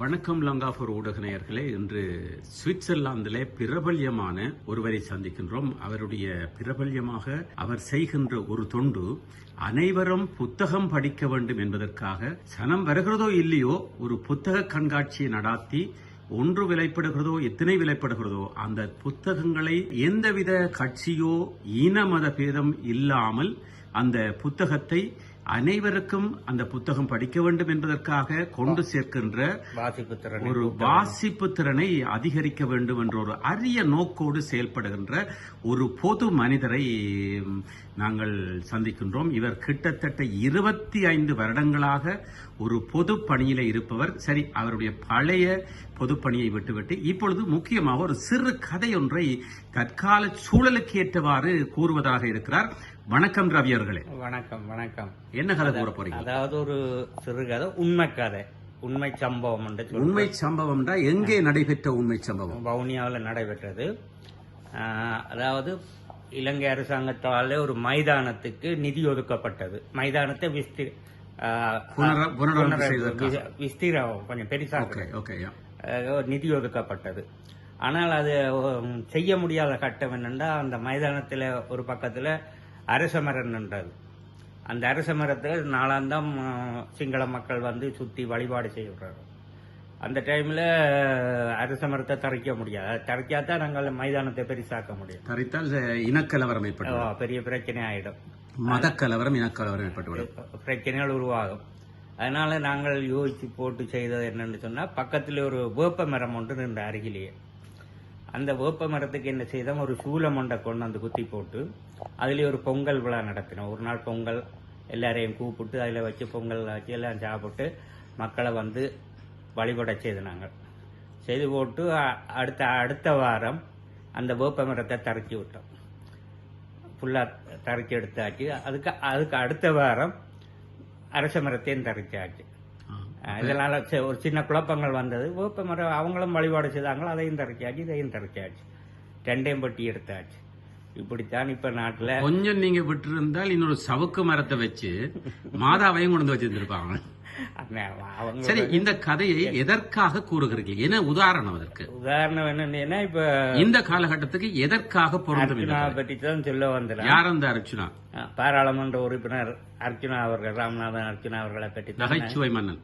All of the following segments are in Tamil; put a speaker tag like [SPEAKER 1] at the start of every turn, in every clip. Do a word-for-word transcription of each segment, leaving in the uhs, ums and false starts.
[SPEAKER 1] வணக்கம் லங்காபூர் ஊடக நேயர்களே. இன்று சுவிட்சர்லாந்திலே பிரபல்யமான ஒருவரை சந்திக்கின்றோம். அவருடைய பிரபல்யமாக அவர் செய்கின்ற ஒரு தொண்டு, அனைவரும் புத்தகம் படிக்க வேண்டும் என்பதற்காக சனம் வருகிறதோ இல்லையோ ஒரு புத்தக கண்காட்சியை நடாத்தி ஒன்று விலைப்படுகிறதோ எத்தனை விலைப்படுகிறதோ அந்த புத்தகங்களை எந்தவித கட்சியோ இன மத பேதம் இல்லாமல் அந்த புத்தகத்தை அனைவருக்கும் அந்த புத்தகம் படிக்க வேண்டும் என்பதற்காக கொண்டு சேர்க்கின்ற ஒரு வாசிப்பு திறனை அதிகரிக்க வேண்டும் என்ற ஒரு அரிய நோக்கோடு செயல்படுகின்ற ஒரு பொது மனிதரை நாங்கள் சந்திக்கின்றோம். இவர் கிட்டத்தட்ட இருபத்தி ஐந்து வருடங்களாக ஒரு பொது பணியில இருப்பவர். சரி, அவருடைய பழைய பொது பணியை விட்டுவிட்டு இப்பொழுது முக்கியமாக ஒரு சிறு கதை ஒன்றை தற்கால சூழலுக்கு ஏற்றவாறு கூறுவதாக இருக்கிறார். வணக்கம் ரவி அவர்களே.
[SPEAKER 2] வணக்கம் வணக்கம்.
[SPEAKER 1] என்ன கதை கூற போறீங்க?
[SPEAKER 2] அதாவது ஒரு சிறுகதை, உண்மை கதை, உண்மை சம்பவம்.
[SPEAKER 1] உண்மை சம்பவம் எங்கே நடைபெற்ற உண்மை சம்பவம்?
[SPEAKER 2] வவுனியாவில் நடைபெற்றது. அதாவது இலங்கை அரசாங்கத்தாலே ஒரு மைதானத்துக்கு நிதி ஒதுக்கப்பட்டது. மைதானத்தை விஸ்தி விஸ்தீரம் கொஞ்சம் பெருசாக நிதி ஒதுக்கப்பட்டது. ஆனால் அது செய்ய முடியாத கட்டம் என்னென்னா, அந்த மைதானத்தில் ஒரு பக்கத்தில் அரச மரம் நின்றது. அந்த அரச மரத்தில் நாளாந்தம் சிங்கள மக்கள் வந்து சுற்றி வழிபாடு செய்கிறாங்க. அந்த டைமில் அரச மரத்தை தரைக்க முடியாது. தரைக்காதான் நாங்கள் மைதானத்தை பெருசாக்க முடியும்.
[SPEAKER 1] தரைத்தால் இனக்கலவரம் ஏற்பட்டு
[SPEAKER 2] பெரிய பிரச்சனை ஆயிடும்.
[SPEAKER 1] மதக்கலவரம், இனக்கலவரம் ஏற்பட்டு
[SPEAKER 2] பிரச்சனைகள் உருவாகும். அதனால நாங்கள் யோசிச்சு போட்டு செய்தது என்னன்னு சொன்னா, பக்கத்தில் ஒரு வேப்ப மரம் ஒன்று நின்ற அருகிலேயே. அந்த வேப்ப மரத்துக்கு என்ன செய்தோம், ஒரு சூலம் ஒன்றை கொண்டு வந்து குத்தி போட்டு அதுலேயே ஒரு பொங்கல் விழா நடத்தினோம். ஒரு நாள் பொங்கல் எல்லாரையும் கூப்பிட்டு அதில் வச்சு பொங்கல் வச்சு எல்லாம் சாப்பிட்டு மக்களை வந்து வழிபட செய்து நாங்கள் செய்து போட்டு அடுத்த அடுத்த வாரம் அந்த வேப்ப மரத்தை தரைச்சி விட்டோம். ஃபுல்லாக தரைச்சி எடுத்தாச்சு. அதுக்கு அதுக்கு அடுத்த வாரம் அரச மரத்தையும் தரைச்சாச்சு. இதனால ஒரு சின்ன குழப்பங்கள் வந்தது. வேப்ப மரம் அவங்களும் வழிபாடு செய்தாங்களோ, அதையும் தரைச்சாச்சு, இதையும் தரைச்சாச்சு, ரெண்டையும் பட்டி எடுத்தாச்சு. இப்படித்தான் இப்ப நாட்டுல
[SPEAKER 1] கொஞ்சம் நீங்க விட்டு இருந்தால் இன்னொரு சவுக்கு மரத்தை வச்சு மாதாவையும் கொண்டு வச்சிருந்திருப்பாங்க. சரி, இந்த கதையை எதற்காக கூறுகிறீர்கள்? என்ன உதாரணம் அதற்கு?
[SPEAKER 2] உதாரணம் என்னன்னா, இப்ப
[SPEAKER 1] இந்த காலகட்டத்துக்கு எதற்காக பொருந்தும்
[SPEAKER 2] பற்றி தான் சொல்ல வந்தேன்.
[SPEAKER 1] யார் அந்த அர்ச்சுனா?
[SPEAKER 2] பாராளுமன்ற உறுப்பினர் அர்ச்சுனா அவர்கள், ராமநாதன் அர்ச்சுனா அவர்களை பற்றி.
[SPEAKER 1] நகைச்சுவை மன்னன்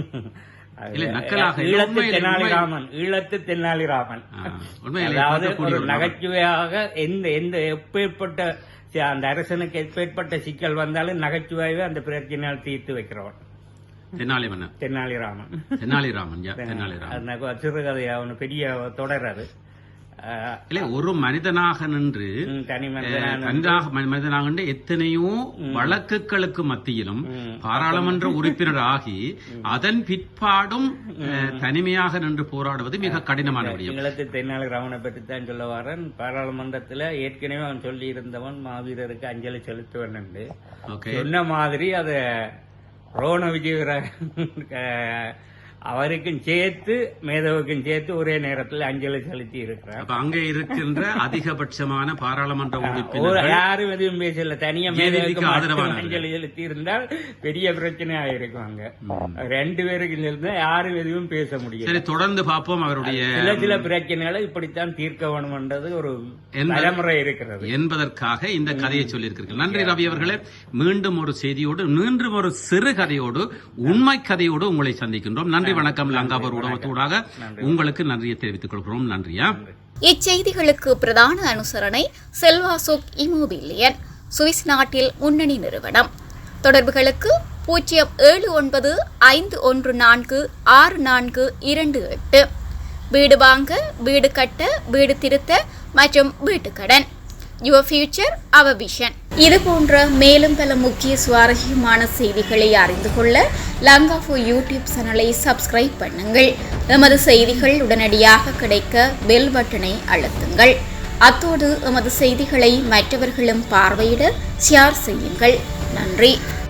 [SPEAKER 2] ஈழத்து தென்னாலிராமன். ஈழத்து தென்னாலிராமன் அதாவது ஒரு நகைச்சுவையாக எந்த எந்த எப்பேற்பட்ட அந்த அரசனுக்கு எப்பேற்பட்ட சிக்கல் வந்தாலும் நகைச்சுவையாவே அந்த பிரச்சனையால் தீர்த்து வைக்கிறவன்
[SPEAKER 1] தென்னாலி மன்னன்,
[SPEAKER 2] தென்னாலிராமன்.
[SPEAKER 1] தென்னாலிராமன் தென்னாலிராமன்
[SPEAKER 2] சிறுகதையா ஒன்று பெரிய தொடர். அது
[SPEAKER 1] ஒரு மனிதனாக நின்று
[SPEAKER 2] தனி
[SPEAKER 1] மனிதனாக நின்று எத்தனையோ வழக்குகளுக்கு மத்தியிலும் பாராளுமன்ற உறுப்பினர் ஆகி அதன் பிற்பாடும் தனிமையாக நின்று போராடுவது மிக கடினமான விடயம்.
[SPEAKER 2] ஈழத்து தென்னாலிராமனை பற்றி தான் சொல்ல வரேன். பாராளுமன்றத்தில் ஏற்கனவே அவன் சொல்லி இருந்தவன் மாவீரருக்கு அஞ்சலி செலுத்துவன் என்று சொன்ன மாதிரி அதை ரோண விஜயவர அவருக்கும் சேர்த்து மேதவுக்கும் சேர்த்து ஒரே நேரத்தில் அஞ்சலி செலுத்தி இருக்கிறார்.
[SPEAKER 1] அங்கே இருக்கின்ற அதிகபட்சமான பாராளுமன்ற உறுப்பினர்
[SPEAKER 2] யாரும் எதுவும் பேசல. தனியா மேதவுக்கு அஞ்சலி செலுத்தி இருந்தால் பெரிய பிரச்சனை ஆயிருக்கும். அங்க ரெண்டு பேருக்கு இருந்தா யாரும் எதுவும் பேச முடியும்.
[SPEAKER 1] சரி, தொடர்ந்து பார்ப்போம். அவருடைய
[SPEAKER 2] சில சில பிரச்சனைகளை இப்படித்தான் தீர்க்க வேணும் என்றது ஒரு தலைமுறை இருக்கிறது என்பதற்காக
[SPEAKER 1] இந்த கதையை சொல்லியிருக்கிறீர்கள். நன்றி ரவி அவர்களே. மீண்டும் ஒரு செய்தியோடு, மீண்டும் ஒரு சிறு கதையோடு, உண்மை கதையோடு உங்களை சந்திக்கின்றோம். நன்றி, வணக்கம். லங்காபூர் ஊடகத்தூடாக உங்களுக்கு நன்றியை தெரிவித்துக் கொள்கிறோம். நன்றியா.
[SPEAKER 3] இச்செய்திகளுக்கு பிரதான அனுசரணை செல்வாசோக் இமோபிலியன், சுவிஸ் நாட்டில் முன்னணி நிறுவனம். தொடர்புகளுக்கு பூஜ்ஜியம் ஏழு ஒன்பது ஐந்து ஒன்று நான்கு ஆறு நான்கு இரண்டு எட்டு. வீடு வாங்க, வீடு கட்ட, வீடு திருத்த மற்றும் வீட்டுக்கடன். Your future our vision. இது போன்ற மேலும் பல முக்கிய சுவாரஸ்யமான செய்திகளை அறிந்து கொள்ள லங்காபூர் யூடியூப் சேனலை சப்ஸ்கிரைப் பண்ணுங்கள். எமது செய்திகள் உடனடியாக கிடைக்க பெல் பட்டனை அழுத்துங்கள். அத்தோடு எமது செய்திகளை மற்றவர்களும் பார்வையிட ஷேர் செய்யுங்கள். நன்றி.